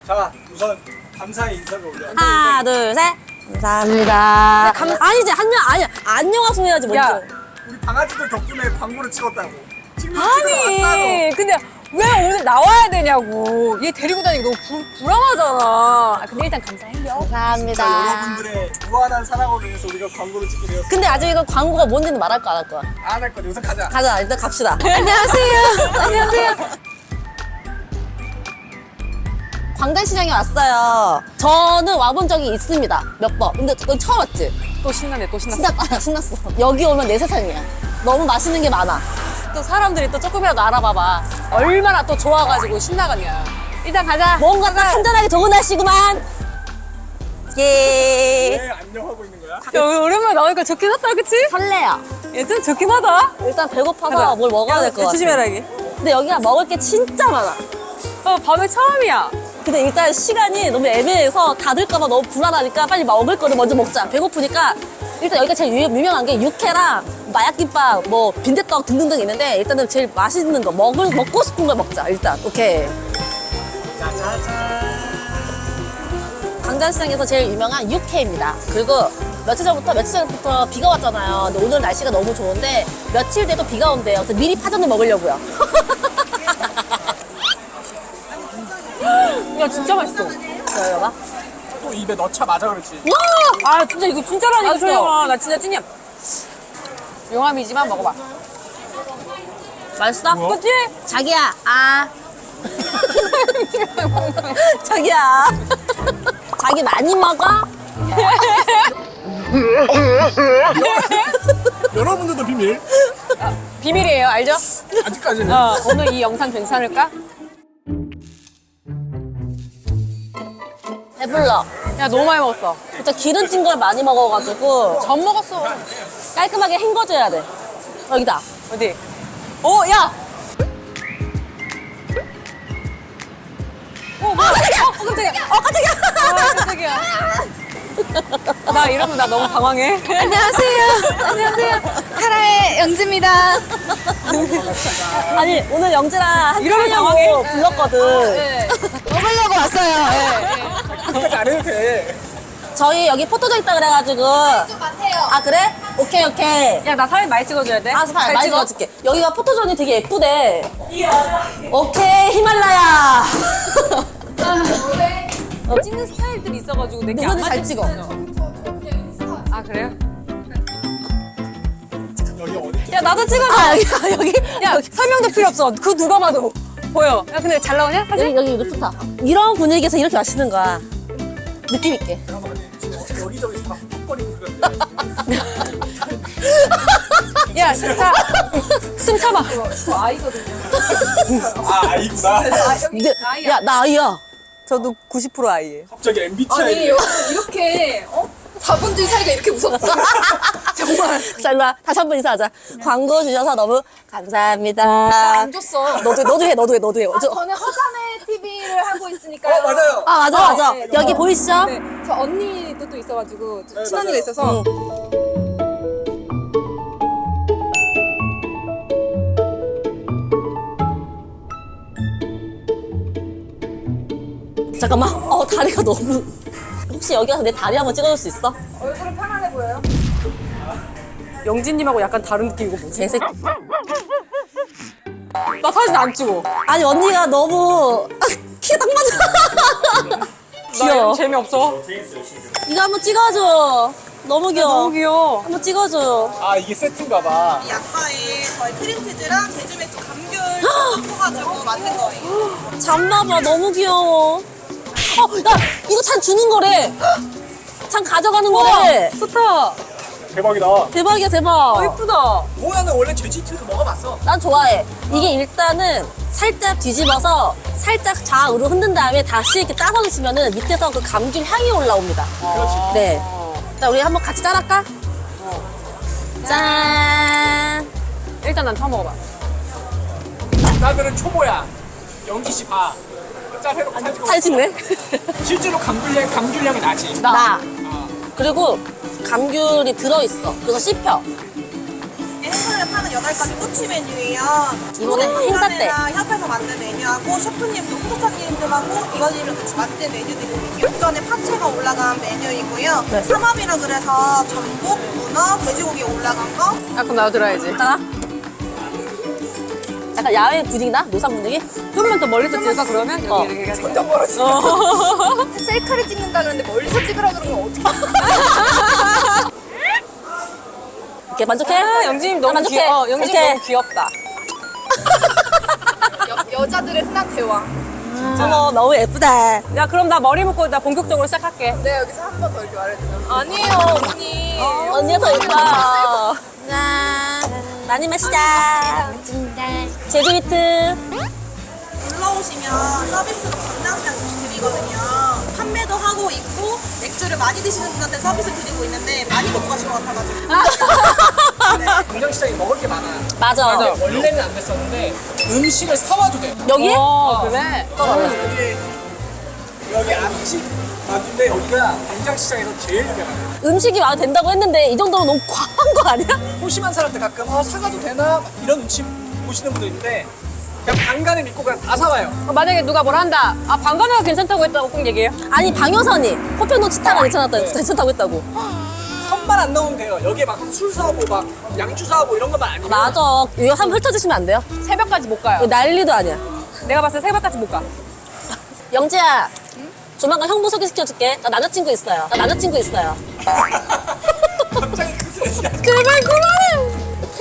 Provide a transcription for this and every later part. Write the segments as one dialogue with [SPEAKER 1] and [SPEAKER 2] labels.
[SPEAKER 1] 자, 우선 감사의 인사를 올려.
[SPEAKER 2] 하나, 둘, 셋. 감사합니다. 아니지, 아니야. 안녕하세요 해야지, 먼저.
[SPEAKER 3] 야.
[SPEAKER 1] 우리 강아지들 덕분에 광고를 찍었다고. 찍는 찍으러
[SPEAKER 3] 아니, 근데 왜 오늘 나와야 되냐고. 얘 데리고 다니기 너무 불안하잖아. 아, 근데 일단 감사해요.
[SPEAKER 2] 감사합니다.
[SPEAKER 1] 자, 여러분들의 무한한 사랑을 위해서 우리가 광고를 찍게 되었어.
[SPEAKER 2] 근데 아직 이거 광고가 뭔지는 말할 거 안 할 거야.
[SPEAKER 1] 안 할 거지. 우선 가자.
[SPEAKER 2] 가자, 일단 갑시다. 안녕하세요. 안녕하세요. 광장시장에 왔어요. 저는 와본 적이 있습니다. 몇 번. 근데 그건 처음 왔지?
[SPEAKER 3] 또 신나네, 또 신났어.
[SPEAKER 2] 신났어. 여기 오면 내 세상이야. 너무 맛있는 게 많아.
[SPEAKER 3] 또 사람들이 또 조금이라도 알아봐봐. 얼마나 또 좋아가지고 신나가냐. 일단 가자.
[SPEAKER 2] 뭔가 딱 한잔하기 좋은 날씨구만. 예.
[SPEAKER 1] 왜 안녕하고 있는 거야?
[SPEAKER 3] 야, 오랜만에 나오니까 좋긴 하다, 그치?
[SPEAKER 2] 설레요.
[SPEAKER 3] 얘 좀 좋긴 하다.
[SPEAKER 2] 일단 배고파서
[SPEAKER 3] 가자.
[SPEAKER 2] 뭘 먹어야 될 것 같아.
[SPEAKER 3] 조심해라, 이게.
[SPEAKER 2] 근데 여기가 먹을 게 진짜 많아.
[SPEAKER 3] 밤에 처음이야.
[SPEAKER 2] 근데 일단 시간이 너무 애매해서 닫을까봐 너무 불안하니까 빨리 먹을 거를 먼저 먹자. 배고프니까 일단 여기가 제일 유명한 게 육회랑 마약김밥, 뭐 빈대떡 등등등 있는데 일단은 제일 맛있는 거 먹고 싶은 걸 먹자. 일단 오케이.
[SPEAKER 1] 짜자잔.
[SPEAKER 2] 광장시장에서 제일 유명한 육회입니다. 그리고 며칠 전부터 비가 왔잖아요. 근데 오늘 날씨가 너무 좋은데 며칠 뒤에도 비가 온대요. 그래서 미리 파전을 먹으려고요.
[SPEAKER 3] 야, 진짜 맛있어.
[SPEAKER 2] 자, 여봐.
[SPEAKER 1] 또 입에 넣자마자 그렇지.
[SPEAKER 3] 아, 진짜 이거 진짜라니까,
[SPEAKER 2] 맛있어.
[SPEAKER 3] 소영아. 나 진짜 찐이야. 용암이지만 먹어봐.
[SPEAKER 2] 맛있어?
[SPEAKER 1] 뭐야?
[SPEAKER 3] 그치?
[SPEAKER 2] 자기야, 자기야. 자기 많이 먹어?
[SPEAKER 1] 여러분들도 비밀.
[SPEAKER 3] 비밀이에요, 알죠?
[SPEAKER 1] 아직까지는.
[SPEAKER 3] 오늘 이 영상 괜찮을까?
[SPEAKER 2] 배불러.
[SPEAKER 3] 야, 너무 많이 먹었어.
[SPEAKER 2] 진짜 기름진 걸 많이 먹어가지고
[SPEAKER 3] 전 먹었어.
[SPEAKER 2] 깔끔하게 헹궈줘야 돼. 여기다.
[SPEAKER 3] 어디? 야! 뭐야? 깜짝이야. 깜짝이야. 나 이러면 나 너무 당황해.
[SPEAKER 2] 안녕하세요.
[SPEAKER 4] 안녕하세요. 카라의 영지입니다.
[SPEAKER 2] 아니 오늘 영지랑
[SPEAKER 3] 이러면
[SPEAKER 2] 하려고
[SPEAKER 3] 당황해.
[SPEAKER 2] 불렀거든.
[SPEAKER 3] 네.
[SPEAKER 4] 먹으려고 왔어요.
[SPEAKER 1] 그까지 안 해도 돼.
[SPEAKER 2] 저희 여기 포토존 있다 그래가지고.
[SPEAKER 4] 좀 같아요.
[SPEAKER 2] 아 그래? 오케이.
[SPEAKER 3] 야, 나 사진 많이 찍어줘야 돼.
[SPEAKER 2] 아,
[SPEAKER 3] 잘
[SPEAKER 2] 많이
[SPEAKER 3] 찍어.
[SPEAKER 2] 찍어줄게. 여기가 포토존이 되게 예쁘대. 오케이, 히말라야.
[SPEAKER 3] 찍는 스타일들이 있어가지고 내게 안
[SPEAKER 2] 누구든 잘
[SPEAKER 3] 맞을 수
[SPEAKER 2] 찍어.
[SPEAKER 3] 있어. 아, 그래요?
[SPEAKER 1] 여기 어디?
[SPEAKER 3] 야, 나도 찍어줘.
[SPEAKER 2] 아, 여기.
[SPEAKER 3] 야, 설명도 필요 없어. 그 누가 봐도 보여. 야, 근데 잘 나오냐? 사진?
[SPEAKER 2] 여기 이거 좋다. 이런 분위기에서 이렇게 맛있는 거야. 느낌 있게.
[SPEAKER 1] 여기저기 다 헉헉거리고 그런데.
[SPEAKER 3] 야, 진짜. 숨 참아.
[SPEAKER 1] 아, 아이구나.
[SPEAKER 2] 근데, 야, 나 아이야.
[SPEAKER 3] 저도 90% 아이예요.
[SPEAKER 1] 갑자기 MBTI.
[SPEAKER 4] 아니 이렇게 자본주의 사회가 이렇게 무섭다. 정말.
[SPEAKER 2] 자, 일로 와. 다시 한 번 인사하자. 광고 주셔서 너무 감사합니다.
[SPEAKER 4] 안 줬어.
[SPEAKER 2] 너도 해.
[SPEAKER 4] 저는 허감의 TV를 하고 있으니까요.
[SPEAKER 1] 맞아요.
[SPEAKER 2] 아, 맞아.
[SPEAKER 4] 네,
[SPEAKER 2] 여기
[SPEAKER 4] 저-
[SPEAKER 2] 보이시죠?
[SPEAKER 4] 네, 저 언니도 또 있어가지고
[SPEAKER 1] 네,
[SPEAKER 4] 친언니가
[SPEAKER 1] 맞아요.
[SPEAKER 4] 있어서
[SPEAKER 2] 잠깐만. 다리가 너무. 혹시 여기 와서 내 다리 한번 찍어줄 수 있어?
[SPEAKER 4] 얼굴은 편안해 보여요.
[SPEAKER 3] 영진님하고 약간 다른 느낌이고 뭐지?
[SPEAKER 2] 개새끼.
[SPEAKER 3] 나 사진 안 찍어.
[SPEAKER 2] 아니, 언니가 너무. 키가 딱 맞아.
[SPEAKER 3] 나
[SPEAKER 2] 귀여워.
[SPEAKER 3] 이런 재미없어.
[SPEAKER 2] 이거 한번 찍어줘. 너무 귀여워.
[SPEAKER 3] 너무 귀여워.
[SPEAKER 2] 한번 찍어줘.
[SPEAKER 1] 아, 이게 세트인가 봐.
[SPEAKER 5] 이 약과에 저희 크림치즈랑 제주맥주 감귤 섞어가지고 만든 거예요.
[SPEAKER 2] 잠봐봐. 너무 귀여워. 야, 이거 잔 주는 거래. 잔 가져가는 거래.
[SPEAKER 3] 좋다.
[SPEAKER 1] 대박이다.
[SPEAKER 2] 대박이야, 대박.
[SPEAKER 3] 예쁘다.
[SPEAKER 1] 모야는 원래 제주집에서 먹어봤어.
[SPEAKER 2] 난 좋아해. 이게 일단은 살짝 뒤집어서 살짝 좌우로 흔든 다음에 다시 이렇게 따서 드시면은 밑에서 그 감귤 향이 올라옵니다.
[SPEAKER 1] 그렇지.
[SPEAKER 2] 네. 자, 우리 한번 같이 따랄까? 짠.
[SPEAKER 3] 일단 난 처음 먹어봐.
[SPEAKER 1] 나들은 초보야. 영기 씨 봐. 짠 해놓고 사진 찍어.
[SPEAKER 2] 사진 찍네.
[SPEAKER 1] 실제로 감귤향이 나지.
[SPEAKER 2] 나. 그리고 감귤이 들어있어. 그래서 씹혀.
[SPEAKER 5] 행사를 파는 한 8가지 꼬치 메뉴예요.
[SPEAKER 2] 이번에 행사 때.
[SPEAKER 5] 협회에서 만든 메뉴하고 셰프님도 후보자님들하고 이원님이랑 같이 만든 메뉴들이거든요. 오전에 파채가 올라간 메뉴이고요.
[SPEAKER 2] 네.
[SPEAKER 5] 삼합이라 그래서 전복, 문어, 돼지고기 올라간 거.
[SPEAKER 3] 아, 그럼 나도 들어야지.
[SPEAKER 2] 있다가 약간 야외 분위기나? 노상 분위기?
[SPEAKER 3] 좀만 더 멀리서 찍을까, 그러면?
[SPEAKER 2] 어.
[SPEAKER 3] 여기 이렇게
[SPEAKER 4] 점점 멀어지네. 셀카를 찍는다 그러는데 멀리서 찍으라 그러면 어떡해.
[SPEAKER 2] 이렇게 만족해?
[SPEAKER 3] 아, 영진님 너무
[SPEAKER 2] 만족해?
[SPEAKER 3] 귀여워. 영진님
[SPEAKER 2] 오케이.
[SPEAKER 3] 너무 귀엽다.
[SPEAKER 4] 여자들의 흔한 대화.
[SPEAKER 2] 어머, 너무 예쁘다.
[SPEAKER 3] 야, 그럼 나 머리 묶고 나 본격적으로 시작할게.
[SPEAKER 4] 내가 여기서 한 번 더 이렇게 말해주면. 아니에요, 언니.
[SPEAKER 2] 언니가 더 예뻐. 많이 마시자. 제주 비트.
[SPEAKER 5] 올라오시면 서비스로 강낭시장 드리거든요. 판매도 하고 있고 맥주를 많이 드시는 분한테 서비스 드리고 있는데 많이 먹고 가실 것 같아가지고.
[SPEAKER 1] 광장시장에 먹을 게 많아.
[SPEAKER 2] 맞아.
[SPEAKER 1] 원래는 안 됐었는데 음식을 사와도 돼.
[SPEAKER 2] 여기?
[SPEAKER 3] 그래?
[SPEAKER 1] 여기 앞집 맞는데 여기가 광장시장에서 제일 유명해.
[SPEAKER 2] 음식이 와도 된다고 했는데 이 정도면 너무 과한 거 아니야?
[SPEAKER 1] 소심한 사람들 가끔 사가도 되나 이런 눈치 보시는 분도 있는데 그냥 방간을 믿고 그냥 다 사와요.
[SPEAKER 3] 만약에 누가 뭘 한다. 아, 방관회가 괜찮다고 했다고 꼭 얘기해요.
[SPEAKER 2] 아니 방효선이 호평도 치타가 괜찮다고 했다고.
[SPEAKER 1] 선만 안 넣으면 돼요. 여기에 막 술 사오고 막 양주 사오고 이런 것만 아니면
[SPEAKER 2] 맞아. 이거 한번 펼쳐주시면 안 돼요?
[SPEAKER 3] 새벽까지 못 가요.
[SPEAKER 2] 이거 난리도 아니야.
[SPEAKER 3] 내가 봤을 때 새벽까지 못 가.
[SPEAKER 2] 영지야, 조만간 형부 소개시켜줄게. 나 남자친구 있어요.
[SPEAKER 1] 갑자기 그새
[SPEAKER 2] 제발 그만해.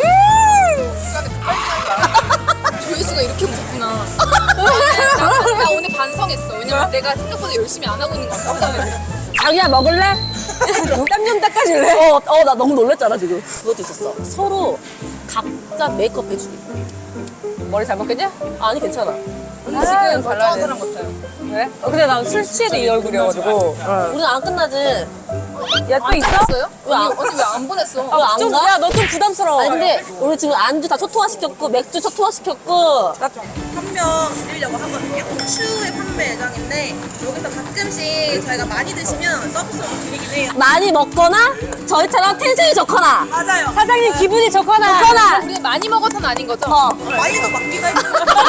[SPEAKER 4] 조회수가 이렇게 무섭구나. 나 오늘 반성했어. 왜냐면 내가 생각보다 열심히 안 하고 있는 것 같아.
[SPEAKER 2] 자기야 먹을래?
[SPEAKER 3] 땀 좀 닦아줄래?
[SPEAKER 2] 나 너무 놀랬잖아 지금. 그것도 있었어. 서로 각자 메이크업 해주기.
[SPEAKER 3] 머리 잘 먹겠냐?
[SPEAKER 2] 아니 괜찮아.
[SPEAKER 4] 언니 지금 멀쩡한 사람 같아요.
[SPEAKER 3] 그래? 근데 난 술 취해도 이 얼굴이어가지고.
[SPEAKER 2] 우리는 안 끝나지.
[SPEAKER 3] 야, 또 있어?
[SPEAKER 4] 했어요?
[SPEAKER 2] 왜 안-
[SPEAKER 4] 언니 왜 안 보냈어?
[SPEAKER 2] 왜 안
[SPEAKER 3] 좀,
[SPEAKER 2] 가?
[SPEAKER 3] 야, 너 좀 부담스러워.
[SPEAKER 2] 아니 근데 우리 지금 안주 다 초토화시켰고 맥주 초토화시켰고
[SPEAKER 5] 한 명 드리려고 하거든요. 추후에 판매 예정인데 여기서 가끔씩 저희가 많이 드시면 서비스로 드리긴 해요.
[SPEAKER 2] 많이 먹거나 저희처럼 텐션이 좋거나
[SPEAKER 5] 맞아요.
[SPEAKER 3] 사장님 기분이 좋거나.
[SPEAKER 4] 우리 많이 먹어서는 아닌 거죠?
[SPEAKER 5] 많이도 먹기도 해요.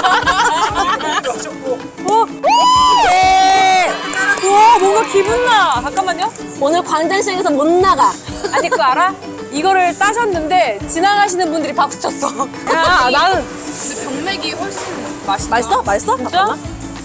[SPEAKER 2] 네.
[SPEAKER 3] 우와, 뭔가 기분 나. 잠깐만요.
[SPEAKER 2] 오늘 광장시장에서 못 나가.
[SPEAKER 3] 아니, 그거 알아? 이거를 따셨는데 지나가시는 분들이 박수 쳤어. 야, 나는.
[SPEAKER 4] 근데 병맥이 훨씬 맛있다.
[SPEAKER 2] 맛있어? 맛있어?
[SPEAKER 3] 진짜?
[SPEAKER 2] 잠깐만.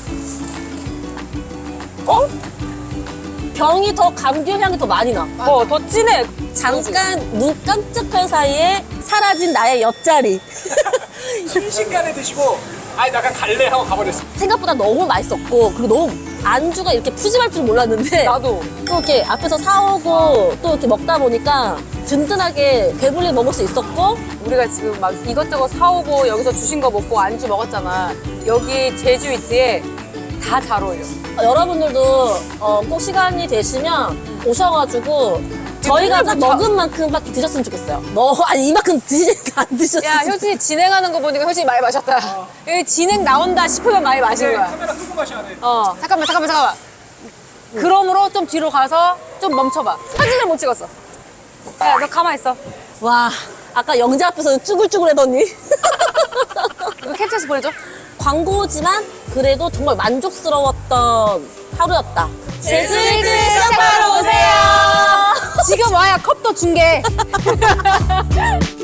[SPEAKER 2] 병이 더 감귤 향이 더 많이 나.
[SPEAKER 3] 더 진해.
[SPEAKER 2] 잠깐 눈 깜짝할 사이에 사라진 나의 옆자리.
[SPEAKER 1] 순식간에 드시고 아니 나 그냥 갈래 하고 가버렸어.
[SPEAKER 2] 생각보다 너무 맛있었고 그리고 너무 안주가 이렇게 푸짐할 줄 몰랐는데
[SPEAKER 3] 나도.
[SPEAKER 2] 또 이렇게 앞에서 사오고 또 이렇게 먹다 보니까 든든하게 배불리 먹을 수 있었고
[SPEAKER 3] 우리가 지금 막 이것저것 사오고 여기서 주신 거 먹고 안주 먹었잖아. 여기 제주 이트에 다 잘 어울려.
[SPEAKER 2] 여러분들도 꼭 시간이 되시면 오셔가지고 저희가 딱 먹은 만큼밖에 드셨으면 좋겠어요. 아니 이만큼 드시니까 안 드셨어요.
[SPEAKER 3] 야, 효진이 진행하는 거 보니까 효진이 많이 마셨다. 여기 진행 나온다 싶으면 많이 마신 거야.
[SPEAKER 1] 카메라 끄고 마셔야 돼.
[SPEAKER 3] 잠깐만. 그러므로 좀 뒤로 가서 좀 멈춰봐. 사진을 못 찍었어. 야, 너 가만히 있어.
[SPEAKER 2] 와 아까 영재 앞에서는 쭈글쭈글하더니
[SPEAKER 3] 이거 캡처해서 보내줘.
[SPEAKER 2] 광고지만 그래도 정말 만족스러웠던 하루였다. 제주이트
[SPEAKER 3] 시작하러 오세요. 지금 와야 컵도 중계.